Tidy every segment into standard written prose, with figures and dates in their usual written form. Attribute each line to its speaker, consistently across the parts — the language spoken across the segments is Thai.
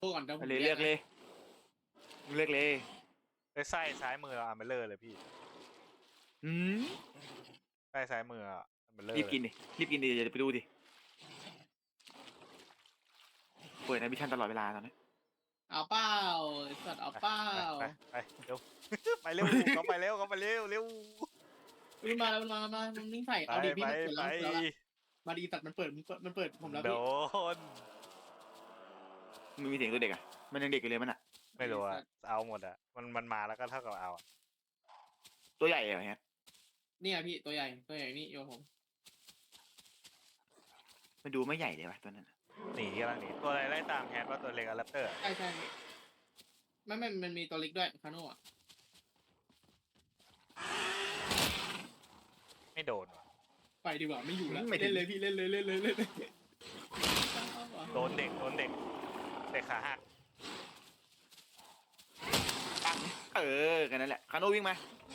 Speaker 1: พูดก่อนเดี๋ยวผม
Speaker 2: เลยเลือกเลยเลือกเลย
Speaker 3: ไอ้ไส้ซ้ายมืออาร์เมเลอร์เลยพี่
Speaker 2: อืม
Speaker 3: ไส้ซ้ายมืออาร์เมเลอร์
Speaker 2: รีบกินดิรีบกินดิเดี๋ยวไปดูดิเปิดในวิชั่นตลอดเวลาตอนนี้
Speaker 1: เอาเป้าไอ้สัตว์เอาเป้า
Speaker 3: ไปเร็ว ไปเร็วเขาไปเร็วเร็ว
Speaker 1: มันมาแล้วมันนิ่งใส่เอาดิพี่มันเปิดแล้วมาดีตัดมันเปิดผมแล้ว
Speaker 3: โด
Speaker 1: พี่
Speaker 3: น
Speaker 2: มันมีเสียงตัวเด็กอ่ะมันยังเด็กอยู่เลยมันอ่ะ
Speaker 3: ไม่รู้อะเอาหมดอะมันมาแล้วก็เท่ากับเอาอะ
Speaker 2: ตัวใหญ่เหรอฮะ
Speaker 1: เนี่ยพี่ตัวใหญ่นี่โยผม
Speaker 2: มันดูไม่ใหญ่เลยว่ะตัวนั้น
Speaker 3: หนีกำลังหนีตัวอะไรไล่ตามแฮนว่าตัวเล็กอะแรปเตอร์
Speaker 1: ใช่มันมีตัวเล็กด้วยคาโน่อะ
Speaker 3: ไม่โดนว่ะ
Speaker 1: ไปดีกว่าไม่อยู่แล้วเล่นเลยพี่เล่นเลย
Speaker 3: โดนเด็กเด็กขาหัก
Speaker 2: เออกันนั่นแหละคาโนวิ่งมา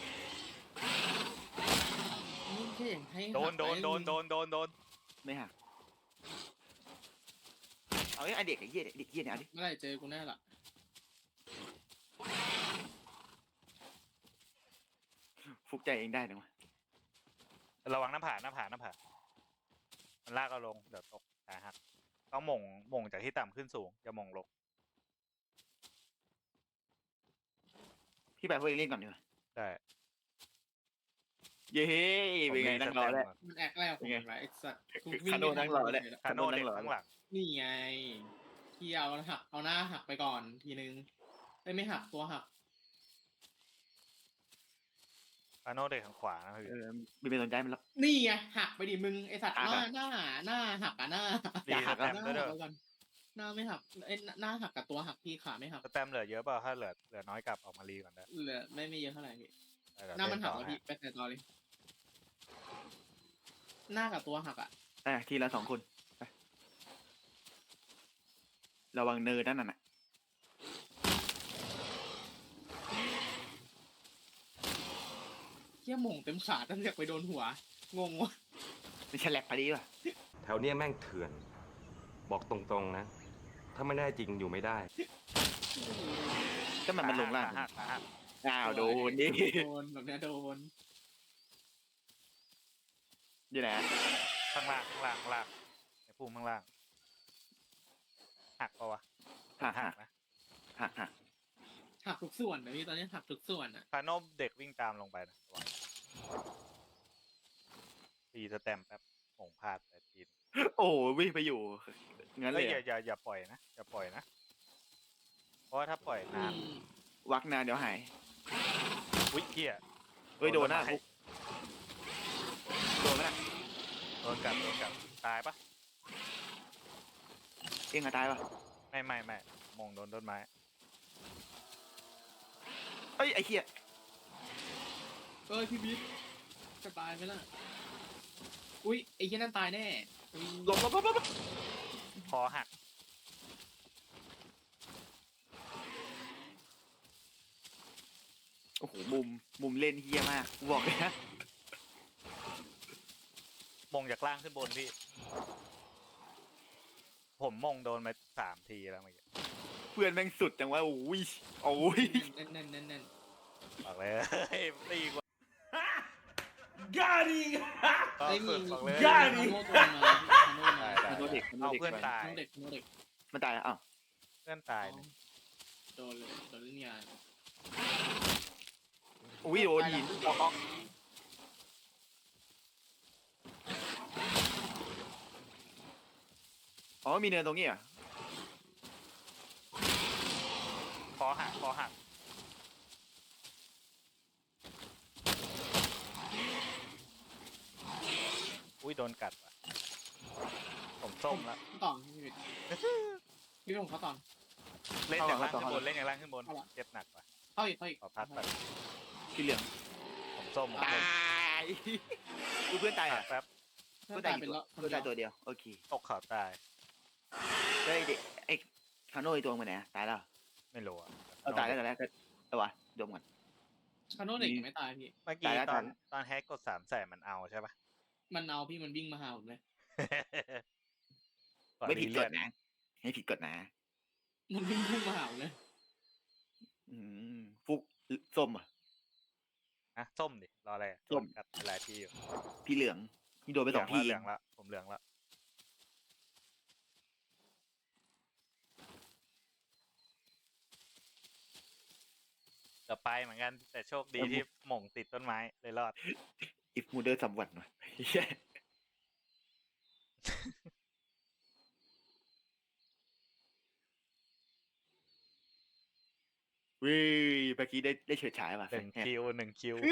Speaker 1: นี่แค่อย่างให้
Speaker 3: โดน
Speaker 2: ไม่หักเอาไอ้เด็กไอ้เหี้ยเด็กเหี้ยเนี่ยเอาดิ
Speaker 1: เมื่อไหร่เจอกูแน่ละ
Speaker 2: ฟุกใจเองได้หรือวะ
Speaker 3: ระวังหน้าผามันลากเอาลงเดี๋ยวตกขาหักต้องหม่งจากที่ต่ำขึ้นสูงอย่าหม่งลง
Speaker 2: พี่ไปพวกเล่นก่อนดีกว่า
Speaker 3: ได้
Speaker 2: เย้เป็นไงนั่งรอแล้ว
Speaker 1: มันแอกแล้วผมไรไอ้สัตว์
Speaker 2: คาโน่นั่งรอเลย
Speaker 3: คาโน่เด็กข้างหลัง
Speaker 1: นี่ไงที่เอาหน้าหักไปก่อนทีนึงไม่หักตัวหัก
Speaker 3: คาโน่เด็กทางขวานะพี่
Speaker 2: มีเป็นสนใจมันแล้ว
Speaker 1: นี่ไงหักไปดิมึงไอสัตว์หน้าหักอ่ะหน้า
Speaker 3: ดีสแตม
Speaker 1: ห
Speaker 3: ด้วยเด้อ
Speaker 1: น้าไม่หักไอหน้าหักกับตัวหักพี่ขาไม่หัก
Speaker 3: สแตมเหลือเยอะเปล่าถ้าเหลือน้อยกลับออกมารีก่อนได้
Speaker 1: เหลือไม่เยอะเท่าไหร่พี่
Speaker 3: เดี๋ยว
Speaker 1: หน้ามันหัก
Speaker 3: เล่
Speaker 1: แล้ว
Speaker 3: ต่อ
Speaker 1: พี่ไปแต่ต่อเลยหน้ากับตัวหักอ่ะ
Speaker 2: ทีละ2 คนไประวังเนินนั่นน่ะ
Speaker 1: เที่ยหม่งเต็มขาตั้งแต่ไปโดนหัวงงวะ
Speaker 2: มันฉลับพอดีว่ะ
Speaker 4: แถวเนี้ยแม่งเถื่อน บอกตรงๆนะ ถ้าไม่แน่จริงอยู่ไม่ได้
Speaker 2: ก็มันลงล่าง
Speaker 3: ขาหัก
Speaker 2: อ้าวโดนดิ
Speaker 1: โดนแบบเนี้ยโดน
Speaker 2: อยู่ไหน
Speaker 3: ข้างล่างในพุ่มข้างล่างหักปะวะ
Speaker 2: หัก
Speaker 3: นะ
Speaker 2: หัก
Speaker 1: หักทุกส่วนนะพี่ตอนนี้หักทุกส่วนอ่ะ
Speaker 3: คาโน่เด็กวิ่งตามลงไปนะระวังตีสแตมแป๊บหม่งพลาดแต่ทีน
Speaker 2: โอ้วิ่งไปอยู่งั้นเลย
Speaker 3: อย่าปล่อยนะอย่าปล่อยนะเพราะว่าถ้าปล่อยนาน
Speaker 2: วักนานเดี๋ยวหาย
Speaker 3: อุ้ยเหี้ย
Speaker 2: เฮ้ยโดนนะโดนไหมนะ
Speaker 3: โดนกัดตายปะ
Speaker 2: เองอะตายป่ะ
Speaker 3: ไม่มงโดนต้นไม้
Speaker 2: เอ้ยไอ้เหี้ย
Speaker 1: พี่บิ๊กจะตายไหมล่ะอุ้ยไอ้ที่นั่นตายแน่
Speaker 2: หลบ
Speaker 3: คอหัก
Speaker 2: โอ้โหมุมเล่นเฮี้ยมากบอกเลยนะ
Speaker 3: มงจากล่างขึ้นบนพี่ผมมงโดนมา3 ทีแล้วเมื่อกี้
Speaker 2: เพื่อนแม่งสุดจังวะโอ้ย
Speaker 1: แน่น
Speaker 3: บอกเลยตีกว่า
Speaker 5: Got him!
Speaker 3: ก็สุดบอกเลย
Speaker 1: ย่าดิโนเด็ก
Speaker 3: เอาเพื่อนตาย
Speaker 1: โนเด็ก
Speaker 2: มันตายแล้วอ้าว
Speaker 3: เพื่อนตายเนี่ย
Speaker 1: โดนเลยโดนเล่นงาน
Speaker 2: อุ้ยโดนหินออกอ๋อมีเนินตรงนี้อ่ะ
Speaker 3: คอหักอุ้ยโดนกัดว่ะผมส้มแล้ว
Speaker 1: ต่อพี่ผมเขาต่อ
Speaker 3: เล่นอย่างล่างขึ้นบนเจ็บหนักว่ะ
Speaker 1: เข้าอีก
Speaker 3: ขอพักแบบ
Speaker 2: ที่เหลือง
Speaker 3: ผมส้ม
Speaker 2: ตายดูเพื่อนตาย
Speaker 3: หั
Speaker 2: อ่ะ
Speaker 3: กแป๊บ
Speaker 2: เพื่อนตายกี่ตัวเพื่อนตายตัวเดียวโอเค
Speaker 3: ตกเขาตาย
Speaker 2: เฮ้ยเด็กไอ้คาโน่ไอ้ตัวมันไหนตายแล้ว
Speaker 3: ไม่รู้อ่ะ
Speaker 2: เอาตายแล้วแต่แรกก็วะดมก่อน
Speaker 1: คาโน่เด็กไม่ตายพี่
Speaker 3: เมื่อกี้ตอนแฮกกด3 แสนมันเอาใช่ปะ
Speaker 1: มันเอาพี่มันวิ่งมาหาผมเลย
Speaker 2: ไม่ผิดกฎนะไม่ผิดกฎนะ
Speaker 1: มันวิ่งพุ่งมาหาเลย
Speaker 2: อืฟุกส้มอ่ะ
Speaker 3: นะส้มดิรออะไรอะ
Speaker 2: ส้ม
Speaker 3: โดนกัดหลายทีอยู่
Speaker 2: พี่เหลืองพี่โดนไป
Speaker 3: เหลื
Speaker 2: 2 ที
Speaker 3: เหลืองละผมเหลืองละเกือบไปเหมือนกันแต่โชคดีที่หม่งติดต้นไม้เลยรอด
Speaker 2: อิฟมูเดอร์สัมวันหน่อยเหี้ยวิเมื่อกี้ได้เฉิดฉายว่ะ
Speaker 3: หนึ่ง
Speaker 2: แฮะ
Speaker 3: คิวหนึ่งคิว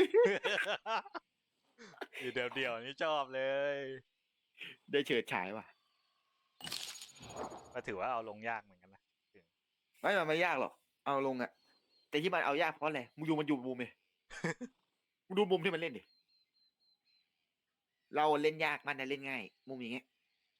Speaker 3: อยู่เดียวๆนี่ชอบเลย
Speaker 2: ได้เฉิดฉายว่ะ
Speaker 3: ก็ถือว่าเอาลงยากเหมือนกันนะ
Speaker 2: ไม่มันไม่ยากหรอกเอาลงอ่ะ แต่ที่มันเอายากเพราะอะไรมันอยู่มุมเลย มึงดูมุมที่มันเล่นดิเราเล่นยากมันนะเล่นง่าย มุมอย่างเงี้ย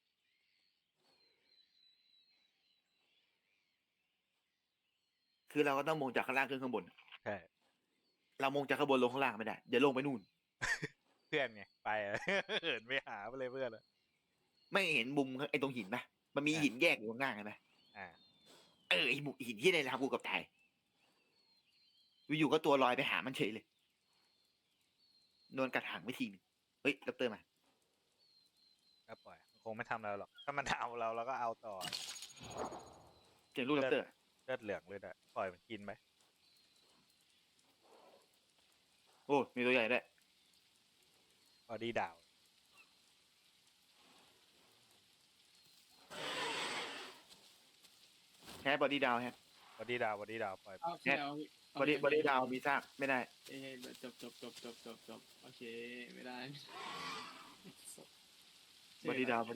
Speaker 2: คือเราก็ต้องมองจากข้างล่างขึ้นข้างบน
Speaker 3: ใช่
Speaker 2: เรามองจากข้างบนลงข้างล่างไม่ได้เดี๋ยวลงไปนู่น
Speaker 3: เพื่อนไงไปอะ เหินไปหาไปเลยเพื่อนอะ
Speaker 2: ไม่เห็นมุมไอ้ตรงหินปะมันมีหินแยกอยู่ข้างล่างเห็นไหม
Speaker 3: อ่า
Speaker 2: ไอ้มุมหินที่ในทำกูกับตายอยู่ๆก็ตัวลอยไปหามันเฉยเลยโดนกัดหางไปทีนึงเฮ้ยรับเตอร์มา
Speaker 3: ก็ปล่อยมันคงไม่ทำเราหรอกถ้ามันเอาเราก็เอาต่อ
Speaker 2: เจอลูกรับเตอร์
Speaker 3: เลือดเหลืองเลยอะปล่อยมันกินไหม
Speaker 2: โอ้มีตัวใหญ่ด้วย
Speaker 3: บอดี้ดาว
Speaker 2: แค่บอดี้ดาวฮะ
Speaker 3: บอดี้ดาวปล่อย
Speaker 1: เอาโอเคเอา
Speaker 2: บอดี้ดาวมีซากไม่ได้
Speaker 1: เอ้ยจบโอเคไม่ได้
Speaker 2: บอดี้ดาว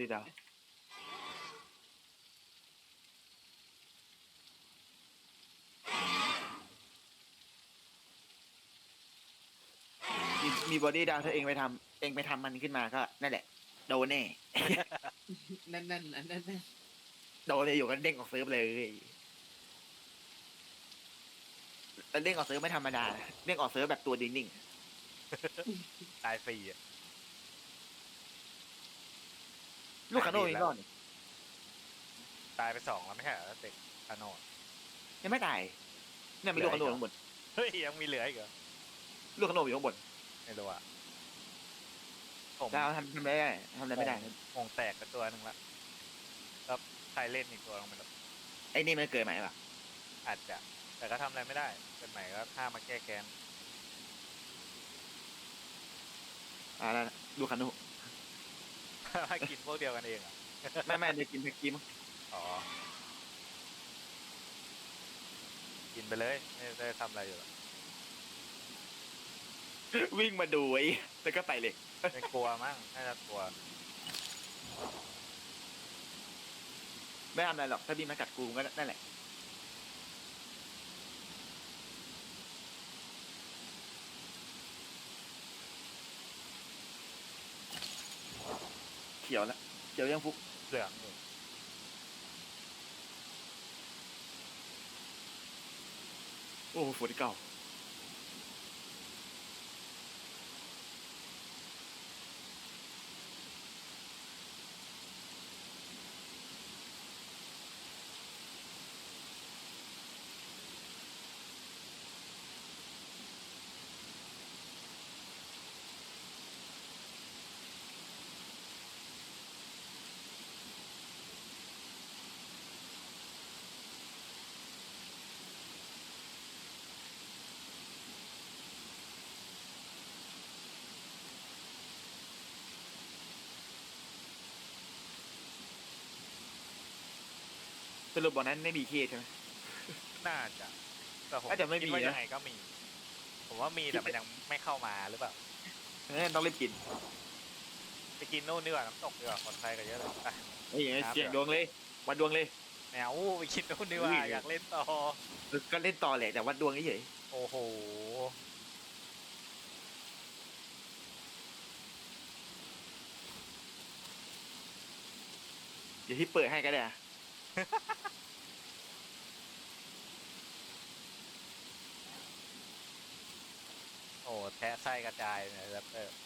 Speaker 2: มีบอดี้ดาวถ้าเองไปทำมันขึ้นมาก็นั่นแหละโดนแน่
Speaker 1: แน่นอันแน่น
Speaker 2: โดนเลยอยู่กันเด้งออกเซิร์ฟเลยแต่เด้งออกเซิร์ฟไม่ธรรมดานะเด้งออกเซิร์ฟแบบตัวนิ่ง
Speaker 3: ตายฟรีอะ
Speaker 2: ๆลูกคาโน่ยังรอดอยู่
Speaker 3: ตายไป2แล้วไม่ใช่เหรอเด็กคาโนด
Speaker 2: ยังไม่ตายเนี่ยมีลูกคาโน่ข้างบน
Speaker 3: เฮ้ยยังมีเหลืออีกเหรอ
Speaker 2: ลูกคาโน่อยู่ข้างบน
Speaker 3: ไม่รู้อะผม
Speaker 2: ดาวทำอะไรได้ทำอะไรไม่ได้นะ
Speaker 3: มงแตกไปตัวหนึ่งละก็ใครเล่นอีกตัวลงไปแล้ว
Speaker 2: ไอ้นี่มันเกิดใหม่ปะ
Speaker 3: อาจจะ แต่ก็ทำอะไรไม่ได้เป็นใหม่ก็ถ้ามาแก้แค้น
Speaker 2: แล้วลูกคาโน่
Speaker 3: ถ้ากินพวกเดียวกันเองอ่ะ
Speaker 2: ไม่ได้กินแพ็กกี้มั้ง
Speaker 3: อ๋อ กินไปเลย ไม่ได้ทำอะไรอยู่หรอก
Speaker 2: วิ่งมาดูไอ้แล้วก็ไปเลย
Speaker 3: ไม่กลัวมั้งน่าจะกลัว
Speaker 2: ไม่ทำอะไรหรอกถ้าบีมากัดกูก็นั่นแหละเขียวแล้วเขียวยังฟุก
Speaker 3: เหลืองอยู่
Speaker 2: โอ้ฝนเก่าสรุปบอกนั้นไม่มีเคใช่ไหม
Speaker 3: น่าจะแต่ผม
Speaker 2: น่าจะไม่มี
Speaker 3: คิดว่า
Speaker 2: นะ
Speaker 3: ยังไงก็มี ผมว่ามีแต่มันยังไม่เข้ามาหรือเปล่า
Speaker 2: ต้องรีบกิน
Speaker 3: ไปกินนู่นดีกว่าน้ำตกดีกว่าปลอดภัยกว่าเยอะเลยไป
Speaker 2: เฮ้ยเสี่ยงดวงเลยวัดดวงเลย
Speaker 3: แมวไปกินนู่นดีกว่า
Speaker 2: อุ้ย
Speaker 3: อยากเล่นต่อ
Speaker 2: ก็เล่นต่อแหละแต่วัดดวงเฉย
Speaker 3: โอ้โห
Speaker 2: เดี๋ยวที่เปิดให้ก็ได้อะ
Speaker 3: โอ้แทะไส้กระจายเนี่ยแรปเตอร์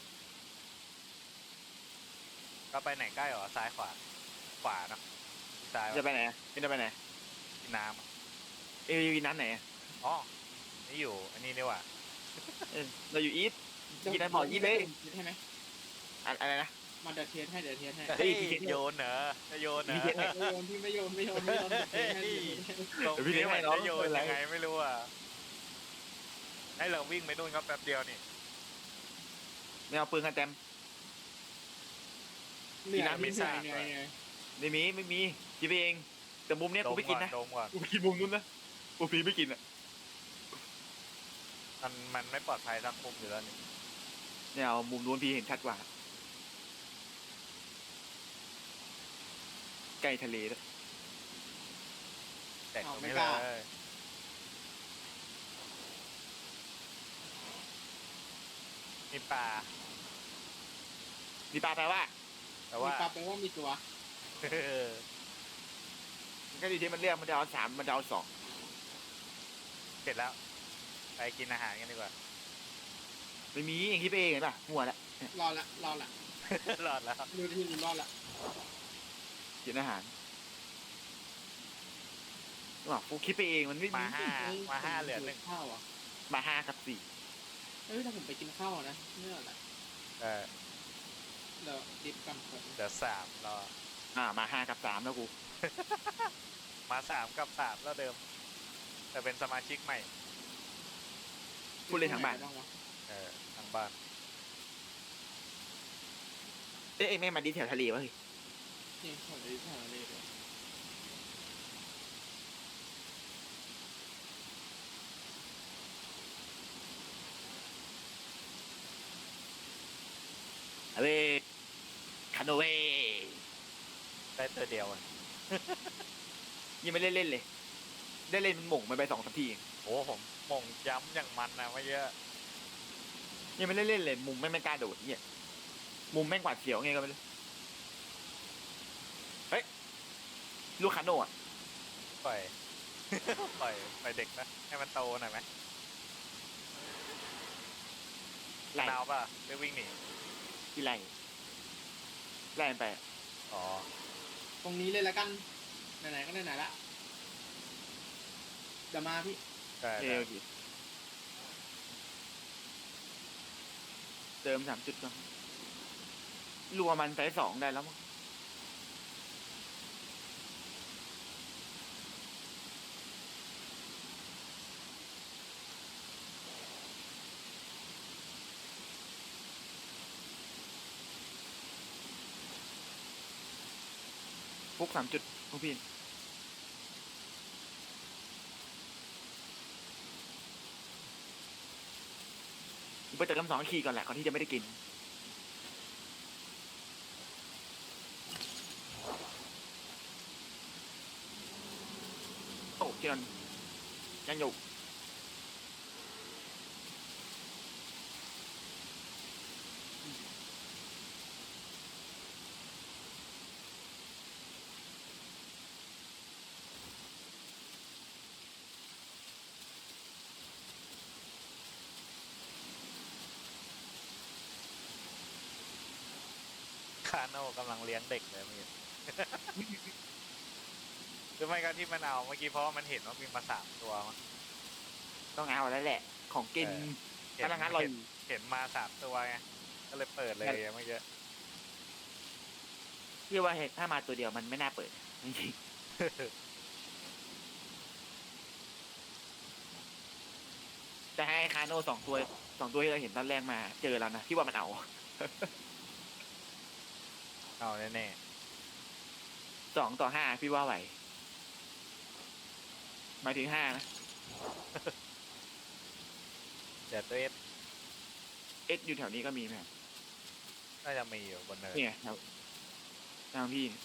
Speaker 3: ก็ไปไหนใกล้หรอซ้ายขวา ขวาเนาะซซ้าย
Speaker 2: จะไปไหนจะไปไหน
Speaker 3: กินน้ำอะ
Speaker 2: เอวีนั้นไหน
Speaker 3: อ๋อนี่อยู่อันนี้นี่หว่า
Speaker 2: เราอยู่อีทกินนั้นบอกอีทเลย
Speaker 1: ใช่ไหม
Speaker 2: อะไรนะ
Speaker 1: มาเดี๋ยวเทสให้เดี๋ยวเทสให้
Speaker 2: เฮ้
Speaker 3: เฮ้
Speaker 2: ย
Speaker 3: ย
Speaker 2: พี่เทส
Speaker 3: โยนเหรอจะโยนเหรอ
Speaker 2: พี่เทสให้
Speaker 1: ไม่โยนพี่ไม่โยนไม่โยนไม่โยนเดี๋ยวเทสให้เดี๋ยวเทสให้
Speaker 3: ตรง
Speaker 2: เดี๋ยวพี่
Speaker 3: นี้
Speaker 2: เลี้ยง
Speaker 3: มัน
Speaker 2: ให้น้อง
Speaker 3: จะโยน
Speaker 2: ไม่เป็นไร
Speaker 3: ยังไงไม่รู้อ่ะให้เราวิ่งไปนู่นก็แป๊บเดียวนี่
Speaker 2: ไม่เอาปืนกันเต็ม
Speaker 1: เหนื่อย
Speaker 2: กินน้ำ
Speaker 1: พี่เหนื่อย
Speaker 3: ไม่
Speaker 1: เห
Speaker 3: ทราบ
Speaker 1: นื่อย
Speaker 2: ไม่มีกินไปเองแต่มุมเนี้ย
Speaker 3: ด
Speaker 2: กู
Speaker 3: ม
Speaker 2: ไม่กิ
Speaker 3: ก่อน น
Speaker 2: นะ
Speaker 3: ดมก่อน
Speaker 2: กูไปกินมุมนู้นนะกูพีไม่กินอ่ะ
Speaker 3: มันไม่ปลอดภัยสักมุมอยู่แล้วนี่
Speaker 2: เนี่ยเอามุมนู้นพี่เห็นชัดกว่าใกล้ทะเลแล้ว
Speaker 3: แต่ตรงนี้เลยมีปลา
Speaker 2: มีปลาแปลว่า
Speaker 3: แต่
Speaker 1: มี
Speaker 3: ว่า
Speaker 1: ปรับไปว่ามีตัว
Speaker 2: มันก็ดีที่มันเรียกมันจะเอา3มันจะเอา2
Speaker 3: เสร็จแล้ว ไปกินอาหารกันดีกว่า
Speaker 2: ไม่มีอย่างที่ไปเองเห็นป่ะมั่วละ
Speaker 1: รอดละ
Speaker 3: รอดแล้ว
Speaker 1: ดูที่รอดละ
Speaker 2: กินอาหารว่ากูคิดไปเองมันไม่มี
Speaker 3: มาห้าเหลือหนึ่ง
Speaker 1: ข้าวอ่ะ
Speaker 2: มา5 กับ
Speaker 1: เอ้ยถ้าผมไปกินข้าวนะเมื่อไหร่
Speaker 3: เออ
Speaker 1: เดี๋ยวดิฟกันผม
Speaker 3: เหลือ3รอ
Speaker 2: 4มา5 กับ 3แล้วกู
Speaker 3: มา3 กับ 3แล้วเดิม แต่เป็นสมาชิกใหม่
Speaker 2: พูดเลยทั้งบ้าน
Speaker 1: บ้างวะ
Speaker 3: ทางบ้าน
Speaker 2: เอ้ยไม่มาดีแถวทะเลวะเฮ้ย
Speaker 1: นี่ผมไปถ่ายอะไรเลย
Speaker 2: เฮ้ยคาโนเว
Speaker 3: ได้ตัวเดียวอ่ะ
Speaker 2: ยังไม่ได้เล่นเลย ได้เล่นมันหม่งไป2 3 ทีเอง
Speaker 3: โอ้ผมมงย้ำอย่างมันนะไม่เยอะ
Speaker 2: ยังไม่ได้เล่นเลยมุมไม่กล้าโดดเนี่ยมุมแม่งหวาดเสียวไงก็ไม่รู้เฮ้ยลูกคาโน่อะ
Speaker 3: ปล่อย ปล่อยเด็กนะ ให้มันโตหน่อยไหม
Speaker 2: ไล่
Speaker 3: นาวป่ะได้วิ่งหนี
Speaker 2: ที่ไล่มันไป
Speaker 3: อ๋อ
Speaker 1: ตรงนี้เลยละกันไหนๆก็ไหนๆละเดี๋ยวมาพี่
Speaker 3: ได้
Speaker 2: เอ
Speaker 3: ได้
Speaker 2: วดิเติม3 จุดก่อนรัวมันไซส์2ได้แล้วมั้งพวก3 จุดพวกพี่ไปเติม2 ขีดก่อนแหละก่อนที่จะไม่ได้กินโอ้ที่นั่นยังอยู่
Speaker 3: คาโน่กำลังเลี้ยงเด็กเลยเมื่อกี้ หรือไม่ก็ที่มันเอาเมื่อกี้เพราะว่ามันเห็นว่ามีมา3 ตัวมั้ง
Speaker 2: ต้องเอาแล้วแหละ ของกิน
Speaker 3: เห็น
Speaker 2: พนักงานรออยู่
Speaker 3: เห็นมา3 ตัวไง ก็เลยเปิดเลยเมื่อกี้
Speaker 2: พี่ว่าถ้ามาตัวเดียวมันไม่น่าเปิดจริงๆแต่ให้คาโน่2 ตัวที่เราเห็นตอนแรกมาเจอแล้วนะพี่ว่ามันเอา
Speaker 3: เอาแน่
Speaker 2: 2 ต่อ 5พี่ว่าไหวหมายถึง5นะ
Speaker 3: ๆเดี๋ยวตัวเอส
Speaker 2: เอสอยู่แถวนี้ก็มีไหมครับ
Speaker 3: น่าจะมีอยู่บนเนิน
Speaker 2: นี่ไงแถวทางพี่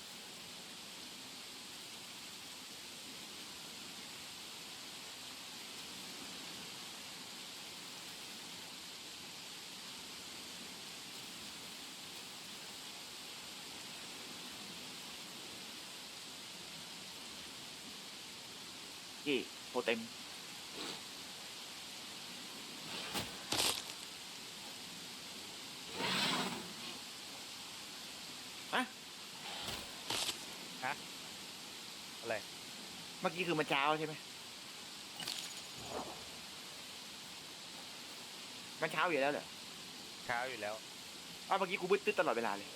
Speaker 2: นี่โปรเต็มอะเมื่อกี้คือมันเช้าใช่ไหมมันเช้าอยู่แล้วเหรอ
Speaker 3: เช้าอยู่แล้ว
Speaker 2: อ้าวเมื่อกี้กูบึ้ดตึ๊ดตลอดเวลาเลย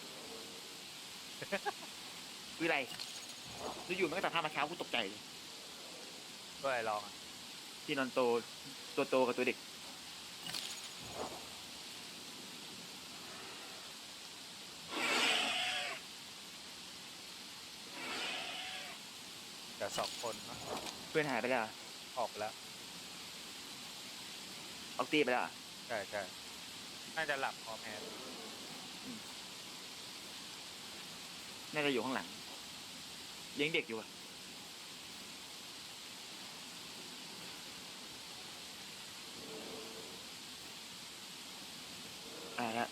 Speaker 2: คืออะไรอยู่ๆมันก็ตัดภาพมาเช้ากูตกใจเลย
Speaker 3: ก็เลยลองอะ
Speaker 2: ที่นอนโตตัวโตกับตัวเด็ก
Speaker 3: แต่2 คนเนอะ
Speaker 2: เพื่อนหายไปแล้วเหรอ
Speaker 3: ออกไปแล้ว
Speaker 2: ออกตีไปแล้วเหรอ
Speaker 3: ใช่ใช่น่าจะหลับพอแพ้
Speaker 2: น่าจะอยู่ข้างหลังเลี้ยงเด็กอยู่อะละ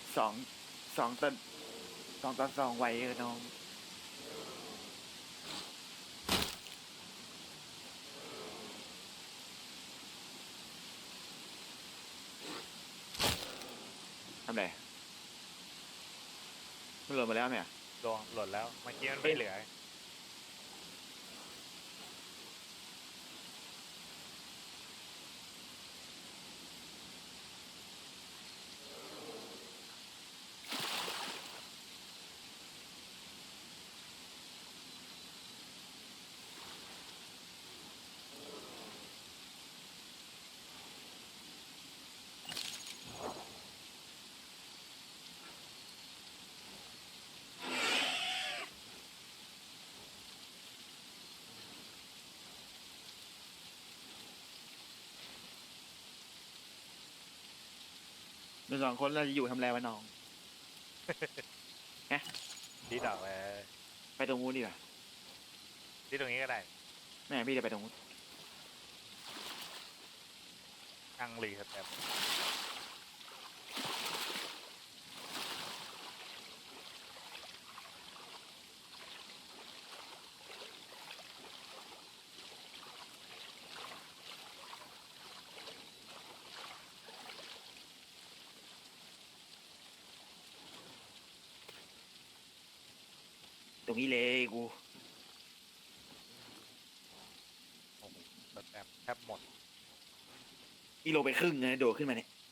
Speaker 2: 2-2 ไว้น้องทำไรมันหล่นมาแล้วไหมอ่ะ
Speaker 3: ลงหล่นแล้วเมื่อกี้มันไม่เหลือ
Speaker 2: เรา2 คนเราจะอยู่ทำอะไรวะน้อง
Speaker 3: ดีดอกเลย
Speaker 2: ไปตรงนู้นดีกว่า
Speaker 3: ที่ตรงนี้ก็ได้
Speaker 2: แม่พี่จะไปตรงนู้น
Speaker 3: นั่งรีสแตป
Speaker 2: ตรงนี้เลยกู
Speaker 3: โอ้โหสแตปแทบหมด
Speaker 2: อีโลไปครึ่งนะโดดขึ้นมาเนี่ย